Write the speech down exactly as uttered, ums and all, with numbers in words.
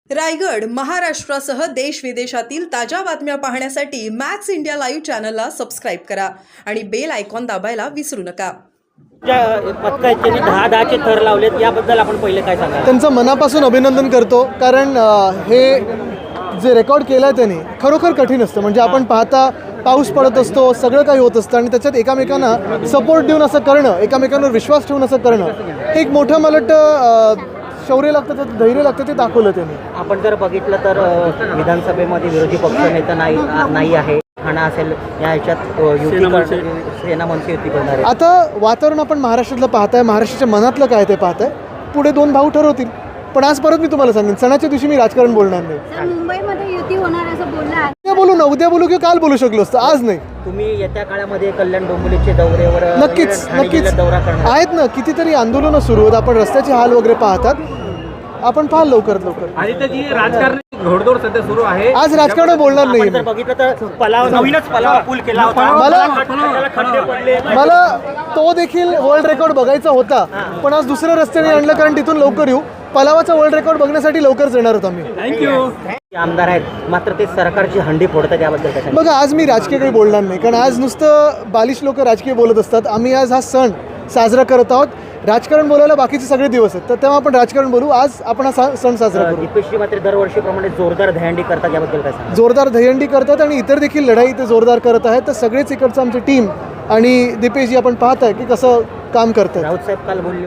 रायगड महाराष्ट्रासह देश विदेशातील ताज्या बातम्या पाहण्यासाठी मॅक्स इंडिया लाईव्ह चॅनलला सबस्क्राईब करा आणि बेल आयकॉन दाबायला विसरू नका. पथकाचे दहा दहाचे थर लावलेत, याबद्दल आपण पहिले काय सांगा? त्यांचं मनापासून अभिनंदन करतो, कारण हे जे रेकॉर्ड केलं आहे त्यांनी खरोखर कठीण असतं. म्हणजे आपण पाहता पाऊस पडत असतो, सगळं काही होत असतं आणि त्याच्यात एकामेकांना सपोर्ट देऊन असं करणं, एकामेकांवर विश्वास ठेवून असं करणं, हे एक मोठं मला वाटतं शौर्य लागतं, त्याचं धैर्य लागतं, ते दाखवलं त्यांनी. आपण जर बघितलं तर विधानसभेमध्ये विरोधी पक्षनेता नाही नाही आहे, ठाणा असेल, या ह्याच्यात युती सेना मनसे युती करणार आहे. आता वातावरण आपण महाराष्ट्रातलं पाहताय, महाराष्ट्राच्या मनातलं काय ते पाहताय. पुढे दोन भाऊ ठरवतील. पण आज परत मी तुम्हाला सांगेन, सणाच्या दिवशी मी राजकारण बोलणार नाही. मुंबईमध्ये युती होणार असं बोलला. उद्या बोलू ना, उद्या बोलू किंवा काल बोलू शकलो असतं, आज नाही. तुम्ही येत्या काळामध्ये कल्याण डोंबिवलीचे दौऱ्यावर नक्कीच नक्कीच दौरा करणार आहेत ना. कितीतरी आंदोलनं सुरू आहेत, आपण रस्त्याचे हाल वगैरे पाहतात, आपण पाहाल लवकरात लवकर. आणि त्याची राजकारणी घोडदौड सध्या सुरू आहे. आज राजकारण बोलणार नाही. जर बघितलं तर पलाव नवीनच पलाव पूल केला होता, मला खड्डे पडले. मला तो देखील वर्ल्ड रेकॉर्ड बघायचा होता, पण आज दुसऱ्या रस्त्याने आणलं, कारण तिथून लवकर येऊ. पलावाचा वर्ल्ड रेकॉर्ड बघण्यासाठी लवकरच येणार होतो आम्ही. थँक्यू. आमदार आहेत, मात्र ते सरकारची हंडी फोडतात, याबद्दल काय सांगा? बघा, आज मी राजकीय काही बोलणार नाही, कारण आज नुसतं बालिश लोक राजकीय बोलत असतात. आम्ही आज हा सण साजरा करत आहोत. राजकारण बोलायला बाकीचे सगळे दिवस आहेत, तर तेव्हा आपण राजकारण बोलू. आज आपण हा सण साजरा करू. दीपेशजी मात्र दरवर्षीप्रमाणे जोरदार दहीहंडी करतात, याबद्दल काय सांगा? जोरदार दहीहंडी करतात आणि इतर देखील लढाई ते जोरदार करत आहेत. तर सगळेच इकडचं आमची टीम आणि दीपेशजी आपण पाहत आहे की कसं काम करतात. राऊत साहेब काल बोलले